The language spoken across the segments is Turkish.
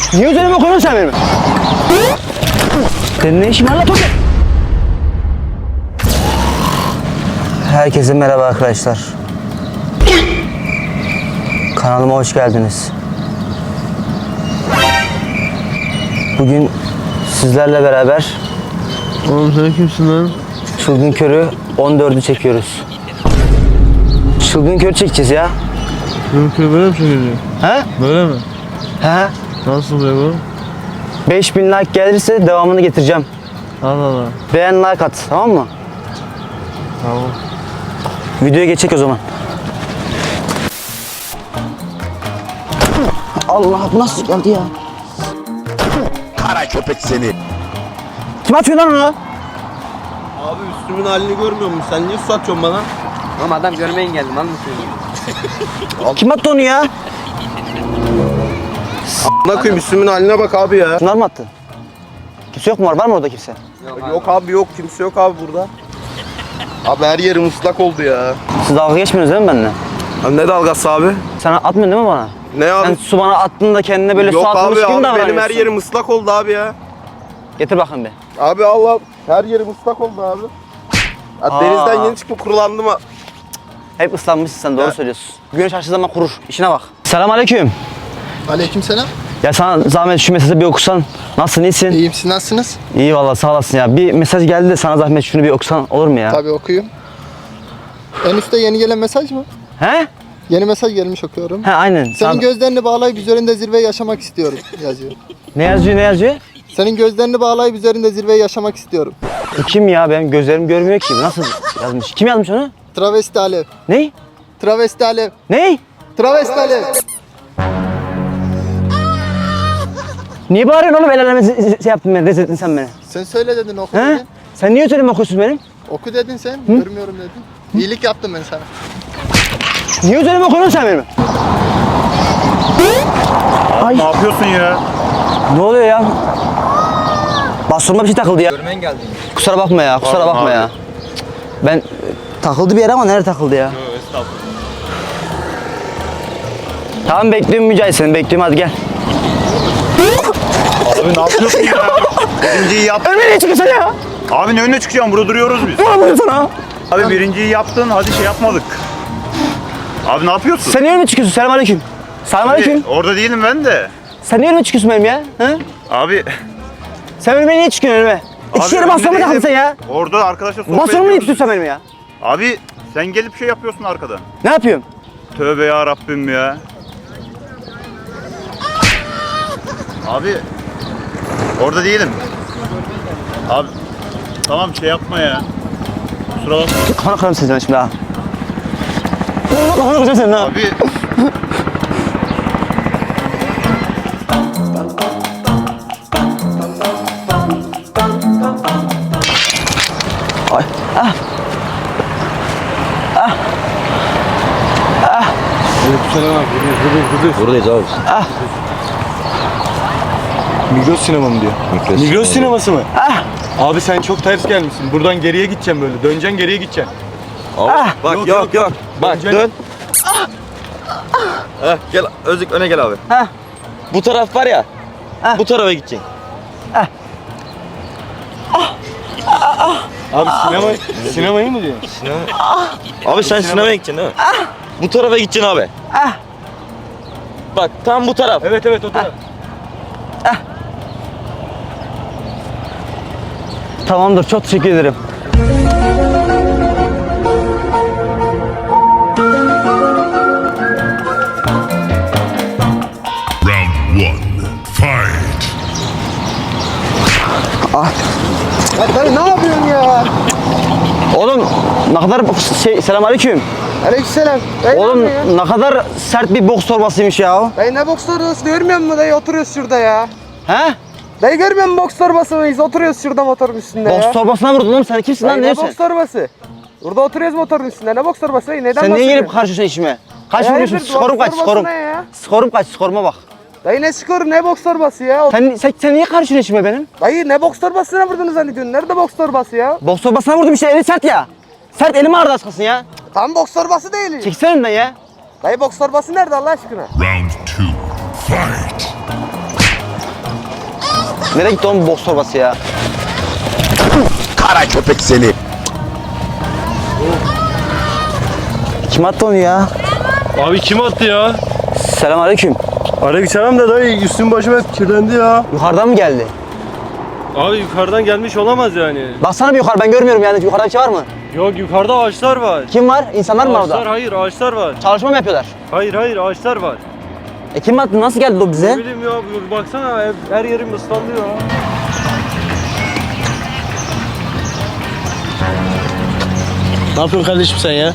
Niye üzerime koyuyorsun sen benim? Senin ne işin var lan Toki? Herkese merhaba arkadaşlar. Kanalıma hoş geldiniz. Bugün sizlerle beraber Oğlum sen kimsin lan? Çılgın Kör'ü 14'ü çekiyoruz. Çılgın Kör çekeceğiz ya. Çılgın böyle mi çekiliyor? He? Böyle mi? He? Nasıl oluyor bu? 5000 like gelirse devamını getireceğim. Allah Allah. Beğen, like at, tamam mı? Tamam. Videoya geçecek o zaman. Allah, bu nasıl geldi ya? Kara köpek seni. Kim atıyor lan onu? Abi üstümün halini görmüyor musun? Sen niye su atıyorsun bana? Ama adam görmeye engelli lan mı söylüyorsun? Kim attı onu ya? Ne koyayım üstümün haline bak abi ya. Şunlar mı attı? Kimse yok mu? Var mı orada kimse? Yok abi yok kimse yok abi burada. Abi her yerim ıslak oldu ya. Siz dalga geçmiyorsunuz değil mi benimle? Abi ne dalgası abi? Sen atmıyorsun değil mi bana? Ne abi? Sen su bana attığında kendine böyle Yok su atmış abi, gibi abi davranıyorsun. benim her yerim ıslak oldu abi ya. Getir bakayım bir. Abi Allah her yerim ıslak oldu abi. Ya denizden yeni çıktım kurulandım ha. Hep ıslanmışsın sen, doğru Ha. söylüyorsun. Güneş açtığı zaman kurur. İşine bak. Selamünaleyküm. Aleykümselam. Ya sana zahmet şu mesajı bir okusan. Nasılsın, iyisin? İyiyim, siz nasılsınız? İyi vallahi, sağ olasın ya. Bir mesaj geldi de sana zahmet şunu bir okusan olur mu ya? Tabii okuyayım. En üstte yeni gelen mesaj mı? He? Yeni mesaj gelmiş, okuyorum. He aynen. Senin gözlerini bağlayıp üzerinde zirveyi yaşamak istiyorum yazıyor. Ne yazıyor, ne yazıyor? Senin gözlerini bağlayıp üzerinde zirveyi yaşamak istiyorum. Bu kim ya? Benim gözlerim görmüyor ki. Nasıl yazmış? Kim yazmış onu? Travesti Alev. Ney? Travesti Alev. Ney? Travesti Alev. Niye bağırıyorsun oğlum? El aleme şey yaptın beni, rezil ettin sen beni. Sen söyle dedin, oku He? dedin. Sen niye özelime okuyorsun benim? Oku dedin sen, görmüyorum dedin. İyilik yaptım ben sana. Niye özelime okuyorsun sen benim? Ay. Ne yapıyorsun ya? Ne oluyor ya? Bastonuma bir şey takıldı ya. Görmeye engelli. Kusura bakma ya, kusura Pardon bakma abi. ya. Ben takıldı bir yere ama nerede takıldı ya? Estağfurullah. Tamam bekliyorum Mücahit, seni bekliyorum, hadi gel. Abi ne yapıyorsun ya? Birinciyi yap. Önüme niye çıkıyorsun ya? Abi ne önüne çıkacağım? Burada duruyoruz biz. Ne yapıyorsun sana? Abi birinciyi yaptın, hadi şey yapmadık. Abi ne yapıyorsun? Sen niye önüme çıkıyorsun? Selamünaleyküm. Selamünaleyküm. Abi, orada değilim ben de. Sen niye önüme çıkıyorsun benim ya? He? Abi. Sen önüme niye çıkıyorsun önüme? İki yere önünde bastonuma takıldın değilim. sen ya. Orada arkadaşlar sohbet Bastonuma niye ediyoruz. tutuyorsun benim ya? Abi sen gelip şey yapıyorsun arkadan. Ne yapıyorum? Tövbe ya Rabbim ya. Abi orada değilim. Abi tamam şey yapma ya. Kusura bakma. Kafana kırarım seni ben şimdi ha. Kafana kıracağım senin ha. Abi Ay. Ah. Aleykümselam abi. Buradayız abi. Migros sinema mı diyor? Migros sineması mı? Ah. Abi sen çok ters gelmişsin. Buradan geriye gideceksin böyle. Döneceksin geriye gideceksin. Ah. Bak yok. Bak dön. Gel Özlük öne gel abi. Heh. Bu taraf var ya. Bu tarafa gideceksin. Abi sinemayı mı diyor? Abi sen sinemaya gideceksin değil mi? Bu tarafa gideceksin abi. Bak tam bu taraf. Evet o taraf. Tamamdır, çok teşekkür ederim. Round one, fight. Ya ne yapıyorsun ya? Oğlum ne kadar selamünaleyküm. Aleykümselam. Oğlum ne kadar sert bir boks torbasıymış ya. Dayı ne boks torbası görmüyor musun dayı, oturuyoruz şurada ya. He? Dayı görmüyor musun boks torbası mıyız? Oturuyoruz şurada motorun üstünde ya. Boks torbasına vurdun oğlum, sen kimsin lan, Dayı ne ne diyorsun? boks torbası? Burada oturuyoruz motorun üstünde. Ne boks torbası dayı? Neden Sen niye bahsediyorsun? gelip karışıyorsun işime? Kaç Hayırdır, vuruyorsun? boks Skorum kaç, torbası skorum. ne ya? Skorum kaç, skoruma bak. Dayı ne skoru, ne boks torbası ya? Sen niye karışıyorsun işime benim? Dayı ne boks torbasına vurdunuz zannediyorsun? Nerede boks torbası ya? Boks torbasına vurdum işte, eli sert ya. Sert, elim ağrıdı az kalsın ya. Tam boks torbası değil. Çeksene önden ya. Dayı boks torbası nerede Allah aşkına? Round two, fight. Nereye gitti oğlum bu boks torbası ya? Kara köpek seni. Kim attı onu ya? Abi kim attı ya? Selamünaleyküm. Aleykümselam da dayı üstüm başım hep kirlendi ya. Yukarıdan mı geldi? Abi yukarıdan gelmiş olamaz yani. Baksana bir yukarı, ben görmüyorum yani. Yukarıda bir şey var mı? Yok yukarıda ağaçlar var. Kim var? İnsanlar mı var Ağaçlar orada? hayır ağaçlar var. Çalışma mı yapıyorlar? Hayır ağaçlar var. Kim attı? Nasıl geldi o Ne bize? bileyim ya baksana her yerim ıslandı ya. Ne yapıyorsun kardeşim sen ya?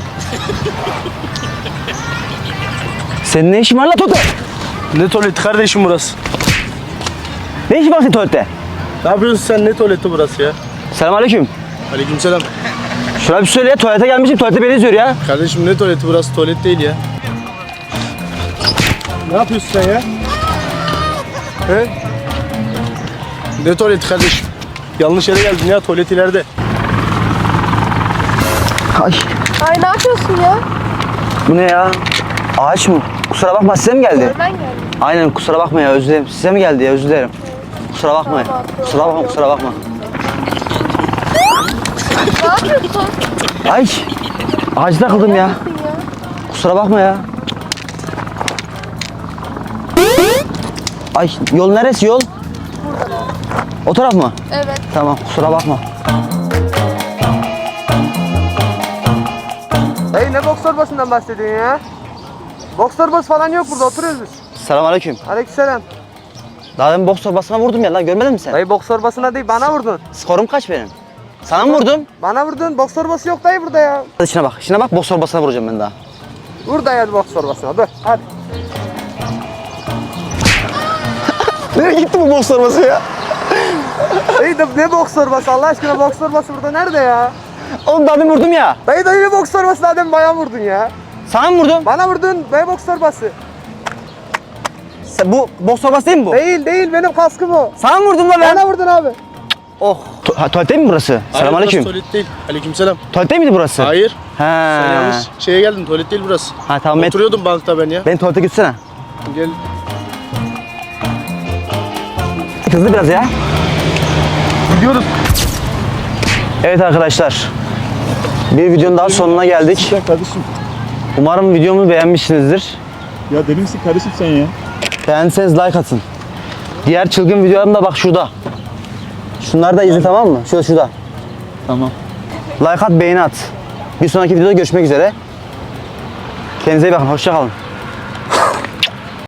Senin ne işin var la Toto? Ne tuvaleti kardeşim burası? Ne işin var senin tuvalette? Ne yapıyorsun sen? Ne tuvaleti burası ya? Selamünaleyküm. Aleykümselam. Şuna bir söyle ya, tuvalete gelmişim, tuvalete beni izliyor ya. Kardeşim ne tuvaleti burası? Tuvalet değil ya. Ne yapıyorsun sen ya? He? Ne tuvaleti kardeşim? Yanlış yere geldin ya, tuvalet ileride. Ay, Ay ne yapıyorsun ya? bu ne ya? Ağaç mı? Kusura bakma, size mi geldi? Ben geldim. Aynen, kusura bakma ya, özür dilerim. Size mi geldi ya, özür dilerim. Kusura bakma. Kusura bakma, kusura bakma. Ne yapıyorsun? Ay, ağaca takıldım ya. Kusura bakma ya. Ay, yol neresi yol? O taraf mı? Evet. Tamam, kusura bakma. Dayı ne boks torbasından bahsediyorsun ya? Boks torbası falan yok burada, oturuyoruz biz. Selamünaleyküm. Aleykümselam. Daha demin boks torbasına vurdum ya lan, görmedin mi sen? Dayı boks torbasına değil, bana vurdun. Skorum kaç benim? Sana mı vurdum? Bana vurdun, boks torbası yok dayı burada ya. Hadi şuna bak, şuna bak, boks torbasına vuracağım ben daha. Vur dayı hadi boks torbasına, dur hadi. Nereye gitti bu boks torbası ya? Dayı ne boks torbası Allah aşkına, boks torbası burada nerede ya? Oğlum daha demin vurdum ya. Dayı ne boks torbası, daha demin bayağı vurdun ya. Sana mı vurdum? Bana vurdun, dayı boks torbası. Bu boks torbası değil mi bu? Değil, benim kaskım o. Sana mı vurdum lan ben? Bana vurdun abi. Oh. Tuvalet değil mi burası? Selamünaleyküm. Burası tuvalet değil. Aleykümselam. Tuvalet değil miydi burası? Hayır. He. Sen yanlış şeye geldin. Tuvalet değil burası. Ha tamam, Oturuyordum bankta ben ya. beni tuvalete götürsene. Gel. Hızlı biraz ya. Gidiyoruz. Evet arkadaşlar. Bir videonun daha sonuna geldik. Ya kardeşim. Umarım videomu beğenmişsinizdir. Ya deli misin kardeşim sen ya? Beğendiyseniz like atın. Diğer çılgın videolarım da bak şurada. Şunları da izle, tamam mı? Şurada. Tamam. Like at, beğeni at. Bir sonraki videoda görüşmek üzere. Kendinize iyi bakın. Hoşça kalın.